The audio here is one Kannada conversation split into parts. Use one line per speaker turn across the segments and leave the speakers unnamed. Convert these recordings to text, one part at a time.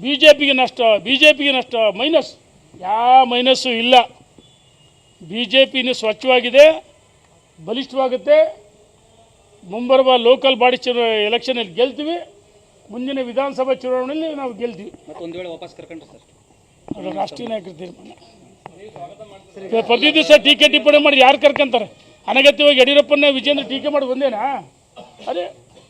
ಬಿಜೆಪಿಗೆ ನಷ್ಟ ಮೈನಸ್ ಯಾವ ಮೈನಸ್ಸು ಇಲ್ಲ. ಬಿಜೆಪಿನೂ ಸ್ವಚ್ಛವಾಗಿದೆ, ಬಲಿಷ್ಠವಾಗುತ್ತೆ. ಮುಂಬರುವ ಲೋಕಲ್ ಬಾಡಿ ಎಲೆಕ್ಷನಲ್ಲಿ ಗೆಲ್ತೀವಿ. ಮುಂದಿನ ವಿಧಾನಸಭಾ ಚುನಾವಣೆಯಲ್ಲಿ ನಾವು ಗೆಲ್ತೀವಿ.
ಒಂದು ವೇಳೆ ವಾಪಸ್ ಕರ್ಕೊಂಡ್ರೆ ಸರ್
ಅದು ರಾಷ್ಟ್ರೀಯ ನಾಯಕರ ತೀರ್ಮಾನ. ಪ್ರತಿ ದಿವಸ ಟೀಕೆ ಟಿಪ್ಪಣಿ ಮಾಡಿ ಯಾರು ಕರ್ಕೊಂತಾರೆ? ಅನಗತ್ಯವಾಗಿ ಯಡಿಯೂರಪ್ಪನ ವಿಜೇಂದ್ರ ಟೀಕೆ ಮಾಡಿ ಬಂದೇನಾ? ಅದೇ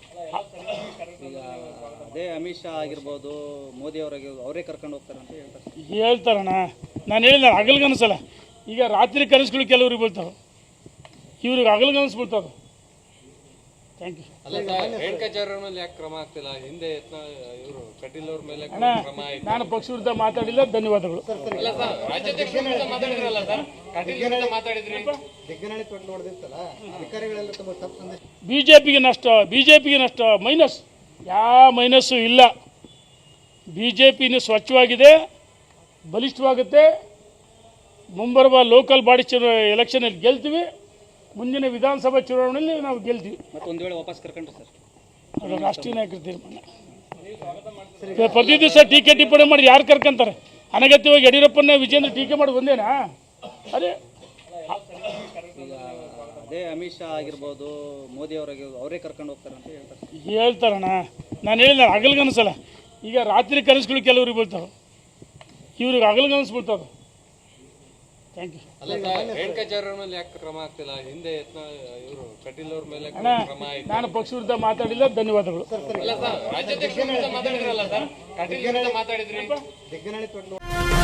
ಅದೇ ಅಮಿತ್ ಶಾ ಆಗಿರ್ಬೋದು, ಮೋದಿ ಅವರೇ ಕರ್ಕೊಂಡು ಹೋಗ್ತಾರೆ ಅಂತ
ಹೇಳ್ತಾರಣ್ಣ. ನಾನು ಹೇಳಿದ ಹಗಲ್ಗನಸಲ್ಲ. ಈಗ ರಾತ್ರಿ ಕನಸುಗಳು ಕೆಲವ್ರಿಗೆ ಬೀಳ್ತಾವೆ, ಇವ್ರಿಗೆ ಹಗಲ್ಗನಸು ಬೀಳ್ತಾವೆ. Thank you. ನಾನು ಪಕ್ಷ ವಿರುದ್ಧ ಮಾತಾಡಿಲ್ಲ. ಧನ್ಯವಾದಗಳು. ಬಿಜೆಪಿಗೆ ನಷ್ಟ ಮೈನಸ್ ಯಾವ ಮೈನಸ್ಸು ಇಲ್ಲ. ಬಿಜೆಪಿನೂ ಸ್ವಚ್ಛವಾಗಿದೆ, ಬಲಿಷ್ಠವಾಗುತ್ತೆ. ಮುಂಬರುವ ಲೋಕಲ್ ಬಾಡಿ ಎಲೆಕ್ಷನಲ್ಲಿ ಗೆಲ್ತೀವಿ. ಮುಂದಿನ ವಿಧಾನಸಭಾ ಚುನಾವಣೆಯಲ್ಲಿ ನಾವು ಗೆಲ್ತೀವಿ.
ಒಂದು ವೇಳೆ ವಾಪಸ್ ಕರ್ಕೊಂಡ್ರೆ ಸರ್
ಅದು ರಾಷ್ಟ್ರೀಯ ನಾಯಕರ ತೀರ್ಮಾನ. ಪ್ರತಿ ದಿವಸ ಟೀಕೆ ಟಿಪ್ಪಣಿ ಮಾಡಿ ಯಾರು ಕರ್ಕೊಂತಾರೆ? ಅನಗತ್ಯವಾಗಿ ಯಡಿಯೂರಪ್ಪನ ವಿಜೇಂದ್ರ ಟೀಕೆ ಮಾಡಿ ಬಂದೇನಾ? ಅದೇ
ಅದೇ ಅಮಿತ್ ಶಾ ಆಗಿರ್ಬೋದು, ಮೋದಿ ಅವರೇ ಕರ್ಕೊಂಡು ಹೋಗ್ತಾರೆ ಅಂತ
ಹೇಳ್ತಾರಣ್ಣ. ನಾನು ಹೇಳಿದ ಹಗಲ್ಗನಸಲ್ಲ. ಈಗ ರಾತ್ರಿ ಕನಸುಗಳು ಕೆಲವ್ರಿಗೆ ಬೀಳ್ತಾವೆ, ಇವ್ರಿಗೆ ಹಗಲ್ಗನಸು ಬೀಳ್ತಾವೆ. Thank you. ನಾನು ಪಕ್ಷ ವಿರುದ್ಧ ಮಾತಾಡಿಲ್ಲ. ಧನ್ಯವಾದಗಳು.